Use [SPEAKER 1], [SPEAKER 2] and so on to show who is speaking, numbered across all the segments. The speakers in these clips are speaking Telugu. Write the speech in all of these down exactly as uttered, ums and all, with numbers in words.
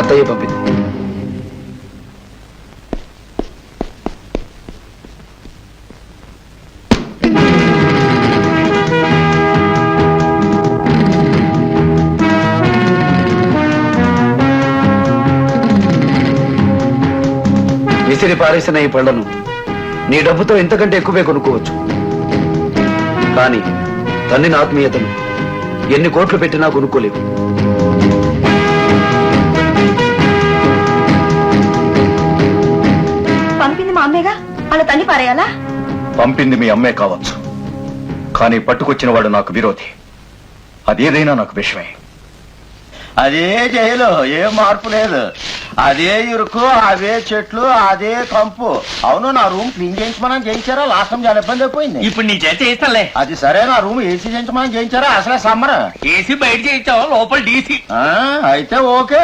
[SPEAKER 1] అత్తయ్య పంపింది. విసిరి పారేసిన ఈ పళ్లను నీ డబ్బుతో ఇంతకంటే ఎక్కువే కొనుక్కోవచ్చు. కానీ తల్లిని ఆత్మీయతను ఎన్ని కోట్లు పెట్టినా కొనుక్కోలేవు.
[SPEAKER 2] పంపింది మా అమ్మేగా, అలా తల్లి పారేయాలా?
[SPEAKER 3] పంపింది మీ అమ్మే కావచ్చు, కానీ పట్టుకొచ్చిన వాడు నాకు విరోధి. అదేదైనా నాకు విషయమే.
[SPEAKER 4] అదే జైలు, ఏ మార్పు లేదు. అదే ఇరుకు, అవే చెట్లు, అదే కంపు. అవును, నా రూమ్ క్లీన్ చేయించమని చేయించారా? లాస్ట్ టైం చాలా ఇబ్బంది అయిపోయింది.
[SPEAKER 5] ఇప్పుడు నీ చేత చేయిస్తాలే.
[SPEAKER 4] అది సరే, నా రూమ్ ఏసీ చేయించమని చేయించారా? అసలే సమ్మర్.
[SPEAKER 5] ఏసీ బయట చేయించావు, లోపల డీసీ.
[SPEAKER 4] అయితే ఓకే.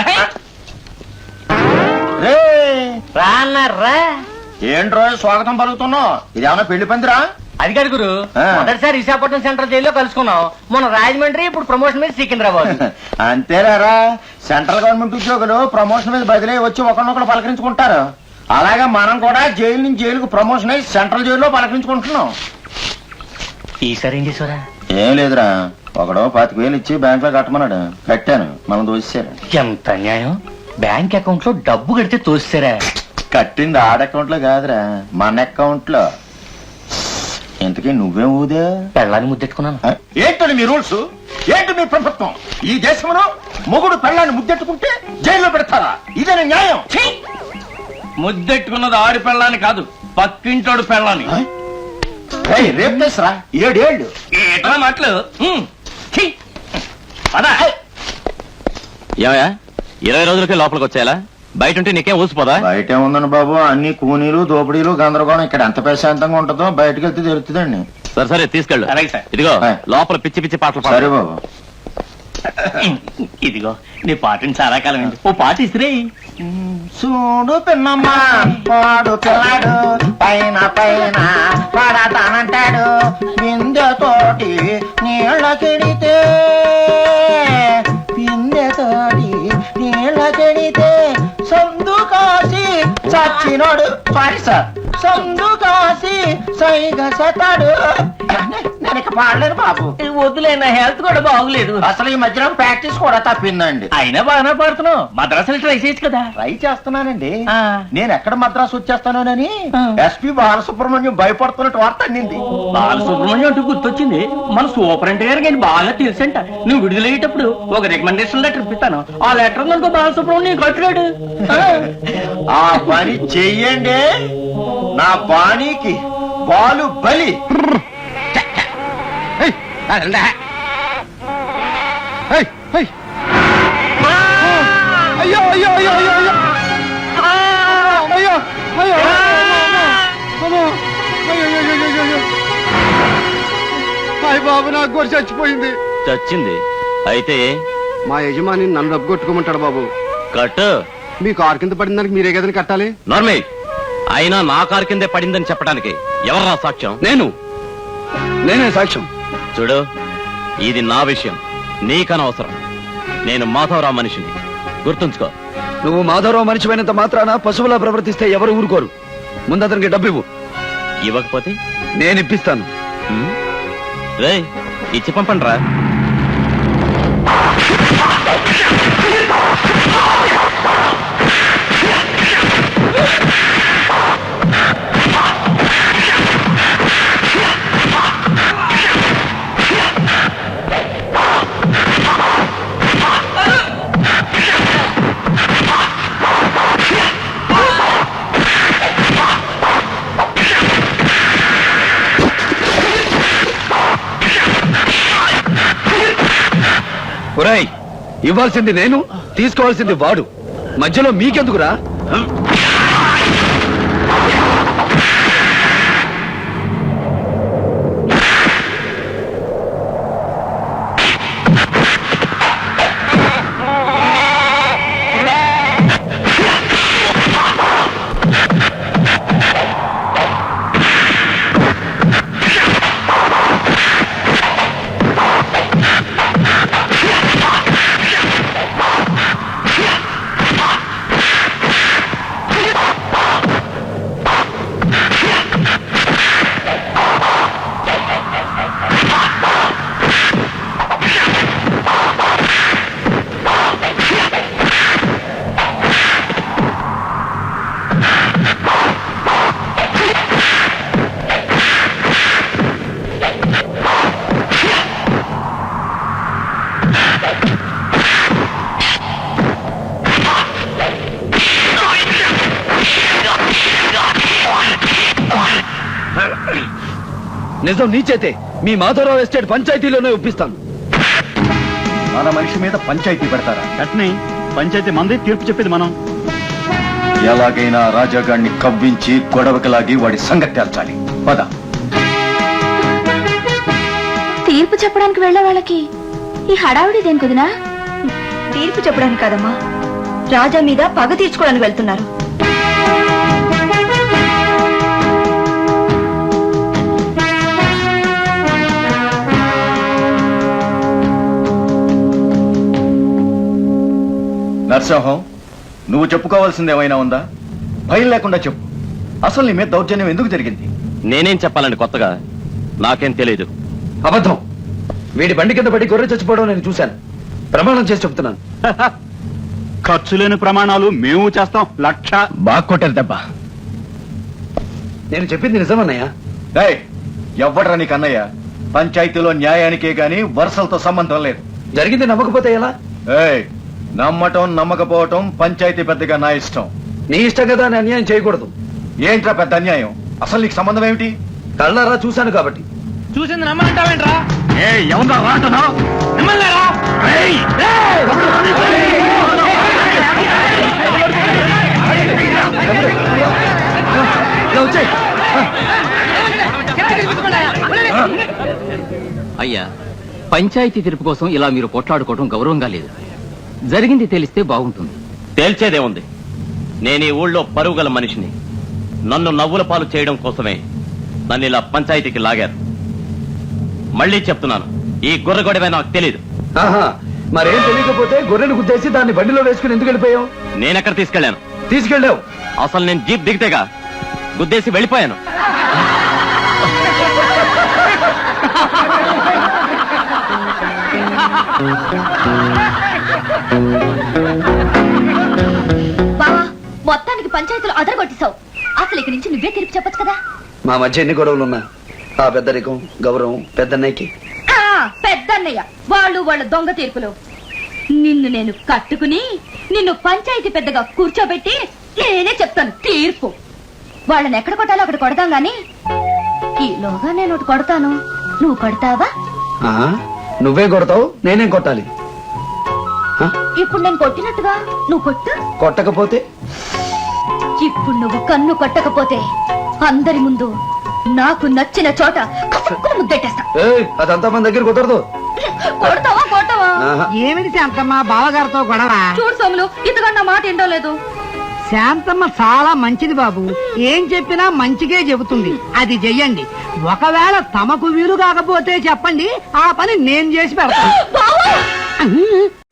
[SPEAKER 4] రే
[SPEAKER 5] రాన్నారా?
[SPEAKER 4] ఏంట్రో స్వాగతం పలుకుతున్నావు? ఇదేమన్నా పెళ్లి పందిరా?
[SPEAKER 5] అది కాదు గురు, మొదటిసారి విశాఖపట్నం సెంట్రల్ జైల్లో కలుసుకున్నాం. మొన్న రాజమండ్రి, ఇప్పుడు ప్రమోషన్ మీద సికింద్రాబాద్.
[SPEAKER 4] అంతేరారా, సెంట్రల్ గవర్నమెంట్ ఉద్యోగులు ప్రమోషన్ మీద బదిలీ వచ్చి ఒకరినొకరు పలకరించుకుంటారు. అలాగే మనం కూడా జైలు నుంచి జైలుకు ప్రమోషన్ అయ్యి సెంట్రల్ జైల్లో పలకరించుకుంటున్నాం.
[SPEAKER 5] ఈసారి ఏం చేసారా?
[SPEAKER 4] ఏం లేదురా, ఒకడో పాతిక వేలు ఇచ్చి బ్యాంక్ లో కట్టమన్నాడు, కట్టాను. మనం దోసేశారు.
[SPEAKER 5] ఎంత అన్యాయం! బ్యాంక్ అకౌంట్ లో డబ్బు కడితే తోస్తారా?
[SPEAKER 4] కట్టింది ఆడ అకౌంట్ లో కాదురా, మన అకౌంట్ లో. ఇంతకీ నువ్వేం ఊదే?
[SPEAKER 5] పెళ్ళాన్ని ముద్దెట్టుకున్నాను.
[SPEAKER 4] ఏంటని మీ రూల్స్? ఏంటి మీ ప్రభుత్వం? ఈ దేశంలో మొగుడు పెళ్ళాన్ని ముద్దెట్టుకుంటే జైల్లో పెడతారా? ఇదే న్యాయం?
[SPEAKER 5] ముద్దెట్టుకున్నది ఆడి పెళ్ళాన్ని కాదు, పక్కింటోడు పెళ్ళాన్ని.
[SPEAKER 4] రేపు చేసరా ఏడేళ్ళు
[SPEAKER 5] ఏటా మాటలు.
[SPEAKER 6] ఏమయ్యా, ఇరవై రోజులకే లోపలికి వచ్చేయాలా? బయట ఉంటే నీకేం ఊసిపోదా?
[SPEAKER 4] బయట ఉందండి బాబు, అన్ని కూనీలు దోపిడీలు గందరగోళం. ఇక్కడ ఎంత ప్రశాంతంగా ఉంటుందో బయటకు వెళ్తే తెలుస్తుందండి.
[SPEAKER 6] సరే సరే తీసుకెళ్ళు.
[SPEAKER 5] అలాగే సార్.
[SPEAKER 6] ఇదిగో లోపల పిచ్చి పిచ్చి పాటలు పాడు.
[SPEAKER 4] సరే బాబు.
[SPEAKER 5] ఇదిగో నీ పాటని చాలా కాలం అయింది, ఓ పాట ఇసిరే.
[SPEAKER 4] చూడు పిన్నమ్మా, వాడు పిల్లాడు పైన పైన పడతానంటాడు. బిందెతోటి నీళ్ళ కెడితే, బిందెతోటి నీళ్ళ కెడితే సందు కాసి చచ్చినోడు. సారీ సార్, సందు కాసి సైగ సతాడు. నేను ఇక పాడలేను బాబు.
[SPEAKER 5] వద్దులే, నా హెల్త్ కూడా బాగులేదు.
[SPEAKER 4] అసలు ఈ మధ్యలో ప్రాక్టీస్ కూడా తప్పిందండి.
[SPEAKER 5] అయినా బాగానే పాడుతున్నావు. మద్రాసులు ట్రై చేయొచ్చు కదా.
[SPEAKER 4] ట్రై చేస్తున్నానండి.
[SPEAKER 5] ఆ.
[SPEAKER 4] నేను ఎక్కడ మద్రాసు వచ్చేస్తానోనని
[SPEAKER 5] ఆ.
[SPEAKER 4] ఎస్పీ బాలసుబ్రహ్మణ్యం భయపడుతున్నట్టు వార్త అందింది.
[SPEAKER 5] బాలసుబ్రహ్మణ్యం అంటూ గుర్తొచ్చింది. మన సూపరింట్ గారికి నేను బాగా తెలుసంట. నువ్వు విడుదలయ్యేటప్పుడు ఒక రికమెండేషన్ లెటర్ ఇప్పిస్తాను. ఆ లెటర్ అనుకో బాలసుబ్రహ్మణ్యం కట్టుడాడు.
[SPEAKER 4] ఆ పని చెయ్యండి, నా బాణీకి బాలు బలి.
[SPEAKER 1] అయ్యో అయ్యో అయ్యో అయ్యో అయ్యో అయ్యో అయ్యో హాయ్ బాబు, నాకు గొర్రె చచ్చిపోయింది.
[SPEAKER 6] చచ్చింది అయితే
[SPEAKER 1] మా యజమాని నన్ను డబ్బు కొట్టుకోమంటాడు బాబు.
[SPEAKER 6] కట్టు.
[SPEAKER 1] మీ కారు కింద పడిన దానికి మీరే కదని కట్టాలి.
[SPEAKER 6] నార్మల్. అయినా నా కారు కిందే పడిందని చెప్పడానికి ఎవరా సాక్ష్యం?
[SPEAKER 1] నేను నేనే సాక్ష్యం.
[SPEAKER 6] చూడు, ఇది నా విషయం, నీకనవసరం. నేను మాధవరావు మనిషిని, గుర్తుంచుకో.
[SPEAKER 1] నువ్వు మాధవరావు మనిషిపోయినంత మాత్రాన పశువులా ప్రవర్తిస్తే ఎవరు ఊరుకోరు. ముందు అతనికి డబ్బు ఇవ్వు.
[SPEAKER 6] ఇవ్వకపోతే
[SPEAKER 1] నేను ఇప్పిస్తాను.
[SPEAKER 6] రే, ఇచ్చి పంపండి రా.
[SPEAKER 1] ఒరేయ్, ఇవ్వాల్సింది నేను, తీసుకోవాల్సింది వాడు. మధ్యలో మీకెందుకురా? నిజం నీ చేతే మీ మాధవరావు ఎస్టేట్ పంచాయతీలోనే ఒప్పిస్తాను.
[SPEAKER 3] మన మనిషి మీద పంచాయతీ పెడతారా?
[SPEAKER 7] కట్ని పంచాయతీ మంది, తీర్పు చెప్పేది మనం.
[SPEAKER 3] ఎలాగైనా రాజాగాడిని కవ్వించి గొడవకి లాగి వాడి సంగతి తేల్చాలి. పద.
[SPEAKER 2] తీర్పు చెప్పడానికి వెళ్ళే వాళ్ళకి ఈ హడావిడి దేని కుదినా? తీర్పు చెప్పడానికి కాదమ్మా, రాజా మీద పగ తీర్చుకోవడానికి వెళ్తున్నారు.
[SPEAKER 3] నరసింహం, నువ్వు చెప్పుకోవాల్సింది ఏమైనా ఉందా? భయం లేకుండా చెప్పు. అసలు నీ మీద దౌర్జన్యం ఎందుకు జరిగింది?
[SPEAKER 6] నేనేం చెప్పాలండి కొత్తగా? నాకేం తెలియదు.
[SPEAKER 1] అబద్ధం. వీడి బండి కింద పడి గొర్రె చచ్చిపోవడం నేను చూశాను. ప్రమాణం చేసి చెప్తున్నాను.
[SPEAKER 7] ఖర్చు లేని ప్రమాణాలు మేము చేస్తాం. లక్ష.
[SPEAKER 3] బాగా కొట్టారు దెబ్బ.
[SPEAKER 1] నేను చెప్పింది నిజమన్నయ్య.
[SPEAKER 3] ఏయ్, ఎవ్వడ్రా నీకు అన్నయ్య? పంచాయతీలో న్యాయానికే గాని వరుసలతో సంబంధం లేదు.
[SPEAKER 1] జరిగింది నమ్మకపోతే ఎలా?
[SPEAKER 3] ఏయ్, నమ్మటం నమ్మకపోవటం పంచాయతీ పెద్దగా నా ఇష్టం.
[SPEAKER 1] నీ ఇష్టం కదా అని అన్యాయం చేయకూడదు.
[SPEAKER 3] ఏంట్రా పెద్ద అన్యాయం? అసలు నీకు సంబంధం ఏమిటి?
[SPEAKER 1] కళ్ళారా చూశాను కాబట్టి.
[SPEAKER 5] చూసింది నమ్మంటావేంట్రా?
[SPEAKER 7] ఏ ఎవరు రాటనా?
[SPEAKER 5] నమ్మలేరా?
[SPEAKER 1] ఇలా వచ్చేయ్.
[SPEAKER 8] అయ్యా, పంచాయతీ తీర్పు కోసం ఇలా మీరు కొట్లాడుకోవడం గౌరవంగా లేదు. జరిగింది తెలిస్తే బాగుంటుంది.
[SPEAKER 6] తేల్చేదేముంది? నేను ఈ ఊళ్ళో పరుగుగల మనిషిని. నన్ను నవ్వుల పాలు చేయడం కోసమే నన్ను ఇలా పంచాయతీకి లాగారు. మళ్ళీ చెప్తున్నాను, ఈ గొర్రె గొడవే నాకు తెలీదు.
[SPEAKER 1] ఆహా, మరేం తెలియకపోతే గొర్రెను గుద్దేసి దాన్ని బండిలో వేసుకుని ఎందుకు వెళ్ళిపోయావు?
[SPEAKER 6] నేనెక్కడ తీసుకెళ్లాను?
[SPEAKER 1] తీసుకెళ్ళావు.
[SPEAKER 6] అసలు నేను జీప్ దిగితేగా గుద్దేసి వెళ్ళిపోయాను.
[SPEAKER 2] బావా, మొత్తానికి పంచాయతీలో అదరగొట్టేశావు. అసలు ఇక్కడి నుంచి నువ్వే తీర్పు చెప్పొచ్చు కదా.
[SPEAKER 1] మా మధ్య ఎన్ని గొడవలున్నా ఆ పెద్దరికం గౌరవం పెద్దన్నయ్యకి.
[SPEAKER 2] ఆ, పెద్దన్నయ్య వాళ్ళు వాళ్ళ దొంగ తీర్పులు. నిన్ను నేను కట్టుకుని నిన్ను పంచాయతీ పెద్దగా కూర్చోబెట్టి నేనే చెప్తాను తీర్పు. వాళ్ళని ఎక్కడ కొట్టాలో అక్కడ కొడతాం గాని ఈలోగా నేను ఒకటి కొడతాను, నువ్వు కొడతావా?
[SPEAKER 1] ఆ, నువ్వే కొడతావు, నేనేం కొట్టాలి? ఆ,
[SPEAKER 2] ఇప్పుడు నేను కొట్టినట్టుగా నువ్వు కొట్టు.
[SPEAKER 1] కొట్టకపోతే?
[SPEAKER 2] ఇప్పుడు నువ్వు కన్ను కొట్టకపోతే అందరి ముందు నాకు నచ్చిన చోట కసుక్కుని ముద్దెట్టేస్తా.
[SPEAKER 1] ఏయ్, అదంతా మన దగ్గర కుదరదు.
[SPEAKER 2] కొడతావా కొడతావా?
[SPEAKER 1] ఆహా.
[SPEAKER 9] ఏమిటి శాంతమ్మ బావగారితో గొడవ?
[SPEAKER 2] చూడు సోములు, ఇంతకన్నా మాట ఏంటో లేదు.
[SPEAKER 9] శాంతమ్మ చాలా మంచిది బాబు, ఏం చెప్పినా మంచిగే చెబుతుంది. అది చెయ్యండి. ఒకవేళ తమకు వీలు కాకపోతే చెప్పండి, ఆ పని నేను చేసి పెడతాను.
[SPEAKER 2] బావా!